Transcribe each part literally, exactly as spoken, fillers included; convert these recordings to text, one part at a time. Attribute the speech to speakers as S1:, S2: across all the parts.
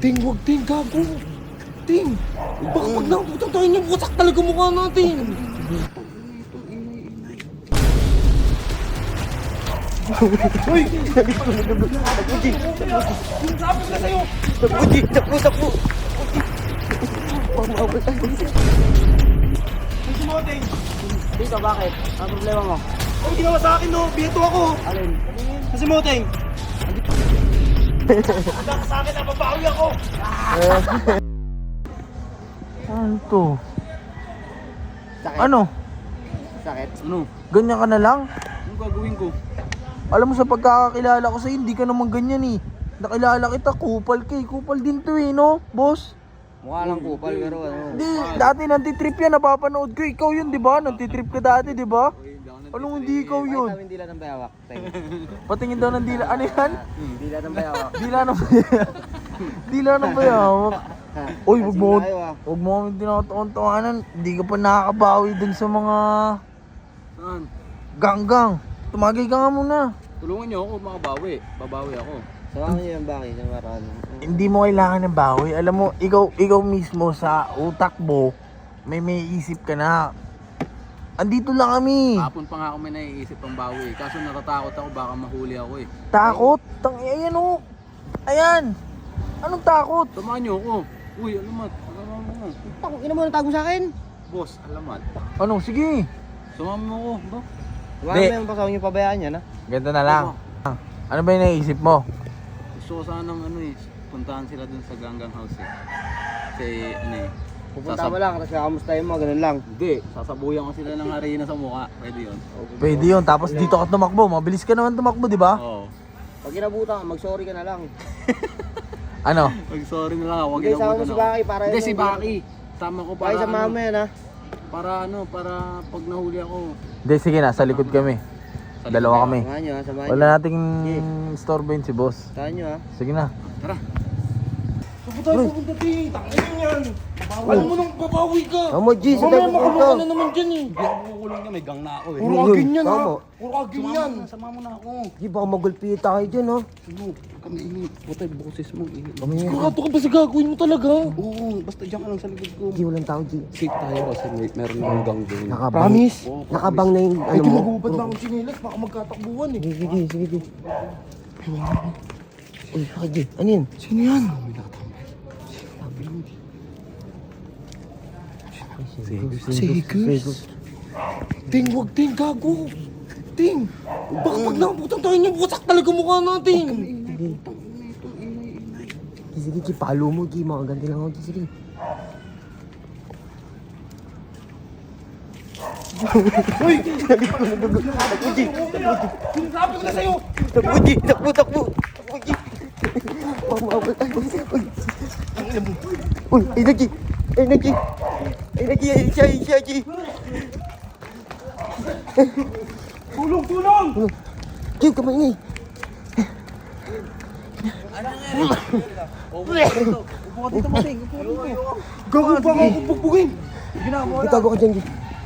S1: Ting, wag ting, gago. Ting, baka pag naputan tayo niya, wasak talaga mukha natin. Uy! Sabi ko na sa'yo!
S2: Napuji! Napu! Napu! Pamawal tayo.
S1: Ang sumoting!
S2: Dito, bakit? Ang problema mo?
S1: Ang ginawa sa akin, no? Bieto ako!
S2: Alin?
S1: Kasi moting! Wala ka sa akin, nababawi ako!
S3: Ano to?
S2: Sakit?
S3: Ano?
S2: Sakit?
S1: Ano?
S3: Ganyan ka na lang?
S1: Anong gagawin ko?
S3: Alam mo sa pagkakakilala ko sa'yo, hindi ka naman ganyan eh. Nakilala kita, kupal ka eh. Kupal din to eh, no? Boss?
S2: Mukha lang kupal pero ano.
S3: Hindi, dati nantitrip yan, napapanood ko. Ikaw yun, di ba? Nantitrip ka dati, di ba? Anong hindi ikaw
S2: Ay,
S3: yun?
S2: tawin dila ng bayawak.
S3: Patingin daw ng dila. Ano yan?
S2: Hmm, dila ng bayawak.
S3: Dila ng bayawak. Dila ng bayawak. Uy, wag mo,
S2: Tayo, ah.
S3: wag mo kami tinataon-tawanan. Hindi ka pa nakakabawi dun sa mga
S1: Saan?
S3: ganggang. Tumagay ka nga muna.
S1: Tulungan niyo ako, makabawi. Babawi ako.
S2: Samahan niyo yung baki sa maraan.
S3: Hindi mo kailangan ng bawi. Alam mo, ikaw ikaw mismo sa utak mo, may may isip ka na. Andito lang kami.
S1: Kapon pa nga ako may naiisip pang bawi. Kaso natatakot ako, baka mahuli ako eh.
S3: Takot? Tang ayan oh. Ayan. Anong takot?
S1: Samahan niyo ako. Uy, alamat. Alamat mo.
S2: Tako, ina mo natago sa akin.
S1: Boss, alamat.
S3: Ano? Sige.
S1: Samahan mo ako, bro.
S2: Wala
S3: Di.
S2: mo yung pasawang yung pabayaan niya na.
S3: Ganito na lang. Ano ba yung naisip mo?
S1: Gusto ko sanang ano eh, puntahan sila dun sa Ganggang House eh. Kasi ano eh.
S2: Pupunta
S1: sasab-
S2: mo lang, tapos kakamustahin mo, ganun lang.
S1: Hindi, sasabuyan ko sila ng harina sa mukha. Pwede yun.
S3: Pwede yun. Tapos dito ka tumakbo. Mabilis ka naman tumakbo, di ba?
S1: Oo.
S2: Pag inabutan ka, mag-sorry ka na lang.
S3: Ano?
S1: Mag-sorry na lang ako. Huwag
S2: Hindi, sama mo
S1: inabutan
S2: si
S1: ako.
S2: Baki para
S1: Hindi,
S2: yun
S1: si
S2: yung-
S1: Baki. Tama ko para
S2: Baki sa
S1: ano.
S2: mama yan ha.
S1: Para ano, para pag nahuli ako.
S3: Hindi, sige na. Sa likod kami.
S1: sa
S3: Dalawa
S1: likod
S3: kami.
S2: Samahan nyo ha, samahan
S3: Wala
S2: nyo.
S3: nating storbain si boss.
S2: Samahan nyo ha.
S3: Sige na.
S1: Tara.
S4: Saan tayo pupunta, Ting? Tangin yan! Alam mo nang babawi ka!
S2: Tama, G, sa
S4: Mamaya
S2: tayo
S4: makamukha
S2: pupunta.
S4: na naman dyan eh!
S1: Hindi ako kukulong niya, may gang na ako eh.
S4: Puro
S2: Yun,
S4: agin yan ha!
S2: tama.
S4: Puro agin yan!
S1: Sama mo na ako.
S2: G, baka magulpi tayo dyan ha.
S1: Ano? Kami init. Putay, boses mo init.
S2: Kami yan.
S4: Sigurado ka ba sa gagawin mo talaga?
S1: Oo, basta diyan ka lang sa likod ko.
S2: G, walang tao, G.
S1: Safe tayo kasi may, meron ng gang doon.
S2: Nakabang.
S4: Promise?
S1: Oo,
S2: Nakabang na yung
S4: Ay,
S2: ano mo.
S4: tumagubad na akong chinelas, baka magkatakbuhan eh!
S2: Sige, sige, sige, G. Uy, bakit G? Ano yan?
S4: Sino yan? Segus? Ting, wag ting, gago! Ting! Baka pag naputan tayo niya, wasak talaga mukha natin!
S2: Sige. Sige, sige, G. Palo mo, G. Makaganti lang ako, G. Sige.
S4: Uy! Sinasabi ko na sa'yo!
S2: Takbo, G. Takbo, takbo. Takbo, G. Pamawal tayo. Uy. Uy, ay na, G. Ay na, G. Ay na, G. Ay siya, ay siya, G.
S4: Tulong, tulong!
S2: G, kamay nga eh.
S4: Gago pa ako bugbugin!
S2: Itago ka dyan, G.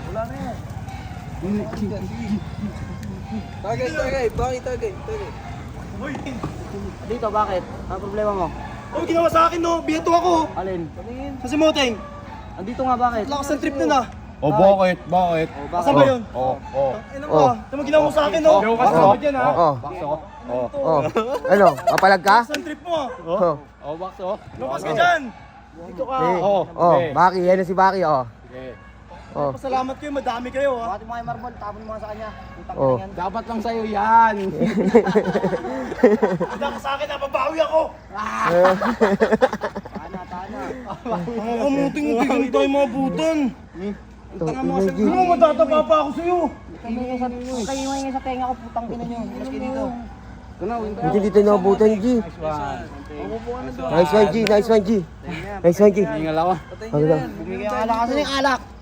S3: Tagay, tagay. Bakit tagay? Tagay.
S2: Dito, bakit? Ang problema mo?
S4: Ano ginawa sa akin, no? Bieto ako!
S2: Alin?
S4: Kasi Moteng,
S2: Andito nga, bakit?
S4: lakas ng trip na na!
S1: O bakit? Bakit?
S2: Oh,
S4: Asan ba yun?
S1: Oo, oo.
S4: Ano ba? Ano mo ginawa mo sa akin, no?
S1: Yung
S4: Kasama dyan, ha?
S2: Oo.
S1: Bakso?
S2: Oh. Ano? Papalag ka?
S4: Lakas ng trip mo, ha?
S2: Oo.
S1: Oh, bakso?
S4: Lumas ka dyan! Dito ka!
S2: Eh.
S1: Oo.
S2: Oh, Baki. Yan na si Baki, oh.
S1: Sige.
S2: Oh.
S4: Pasalamat kayo, madami kayo, ha?
S2: Bakit mo kayo marbol? Tapon mo nga sa kanya.
S3: Oh.
S1: Dapat lang sa'yo yan.
S4: Wala ka sa akin, nababawi ako!
S2: Tana, tana.
S4: Ang muting-muting hindi tayo mabutan!
S2: Tanga
S4: Ano mo, matatapa pa ako sa'yo!
S2: Kayo nga sa tenga ko, putang ina nyo. Mas kayo dito.
S1: Kunaw, hindi.
S2: Hindi dito nabutan, G. Nice one, G. Nice one, G. Nice one, G.
S1: Hingal ako.
S2: Ano lang? Bumigay ang alak. Asan yung alak?